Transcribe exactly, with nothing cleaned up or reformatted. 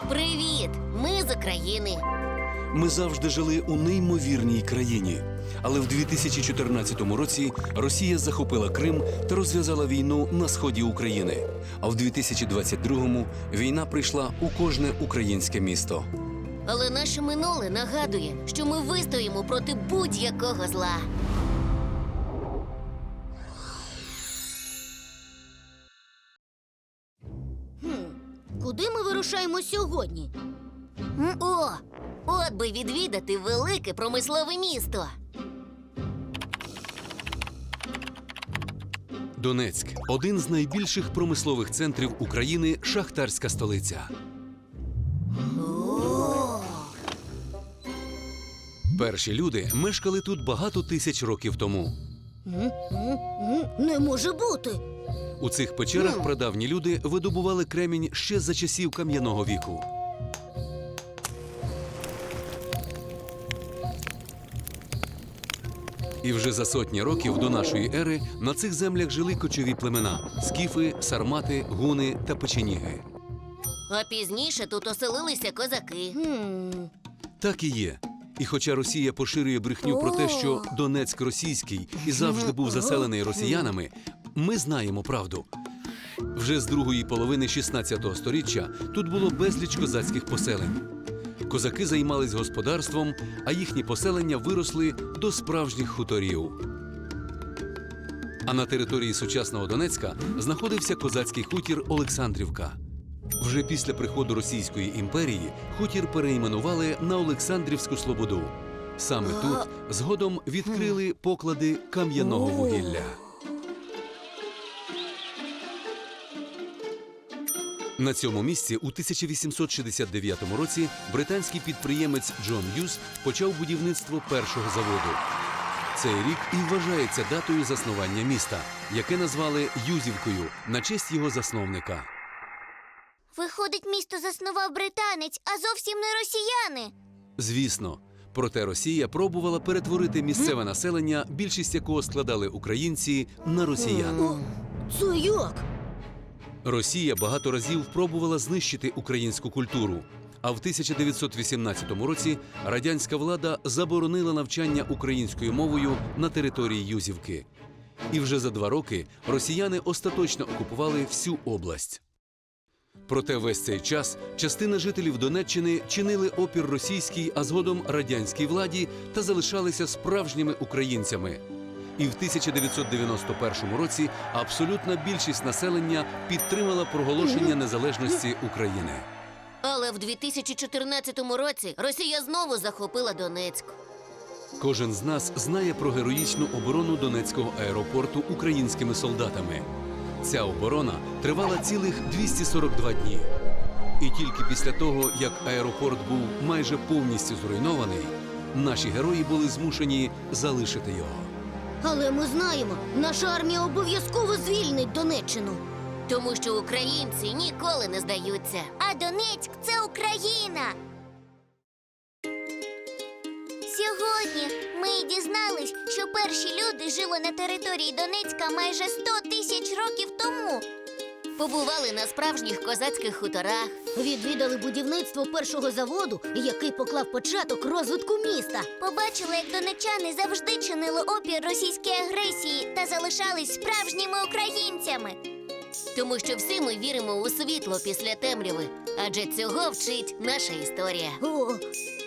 Привіт! Ми з України. Ми завжди жили у неймовірній країні. Але в дві тисячі чотирнадцятому році Росія захопила Крим та розв'язала війну на сході України. А в дві тисячі двадцять другому війна прийшла у кожне українське місто. Але наше минуле нагадує, що ми вистоїмо проти будь-якого зла. Куди ми вирушаємо сьогодні? О, от би відвідати велике промислове місто. Донецьк – один з найбільших промислових центрів України, шахтарська столиця. Перші люди мешкали тут багато тисяч років тому. Не може бути. У цих печерах прадавні люди видобували кремінь ще за часів кам'яного віку. І вже за сотні років до нашої ери на цих землях жили кочові племена – скіфи, сармати, гуни та печеніги. А пізніше тут оселилися козаки. Так і є. І хоча Росія поширює брехню про те, що Донецьк російський і завжди був заселений росіянами, ми знаємо правду. Вже з другої половини шістнадцятого сторіччя тут було безліч козацьких поселень. Козаки займались господарством, а їхні поселення виросли до справжніх хуторів. А на території сучасного Донецька знаходився козацький хутір Олександрівка. Вже після приходу Російської імперії хутір перейменували на Олександрівську Слободу. Саме тут згодом відкрили поклади кам'яного вугілля. На цьому місці у тисяча вісімсот шістдесят дев'ятому році британський підприємець Джон Юз почав будівництво першого заводу. Цей рік і вважається датою заснування міста, яке назвали Юзівкою на честь його засновника. Виходить, місто заснував британець, а зовсім не росіяни. Звісно. Проте Росія пробувала перетворити місцеве населення, більшість якого складали українці, на росіян. Це як? Росія багато разів пробувала знищити українську культуру. А в тисяча дев'ятсот вісімнадцятому році радянська влада заборонила навчання українською мовою на території Юзівки. І вже за два роки росіяни остаточно окупували всю область. Проте весь цей час частина жителів Донеччини чинили опір російській, а згодом радянській владі та залишалися справжніми українцями. І в тисяча дев'ятсот дев'яносто першому році абсолютна більшість населення підтримала проголошення незалежності України. Але в дві тисячі чотирнадцятому році Росія знову захопила Донецьк. Кожен з нас знає про героїчну оборону Донецького аеропорту українськими солдатами. Ця оборона тривала цілих двісті сорок два дні. І тільки після того, як аеропорт був майже повністю зруйнований, наші герої були змушені залишити його. Але ми знаємо, наша армія обов'язково звільнить Донеччину. Тому що українці ніколи не здаються. А Донецьк – це Україна! Сьогодні ми дізнались, що перші люди жили на території Донецька майже сто тисяч років тому. Побували на справжніх козацьких хуторах. Відвідали будівництво першого заводу, який поклав початок розвитку міста. Побачили, як донеччани завжди чинили опір російській агресії та залишались справжніми українцями. Тому що всі ми віримо у світло після темряви. Адже цього вчить наша історія. О,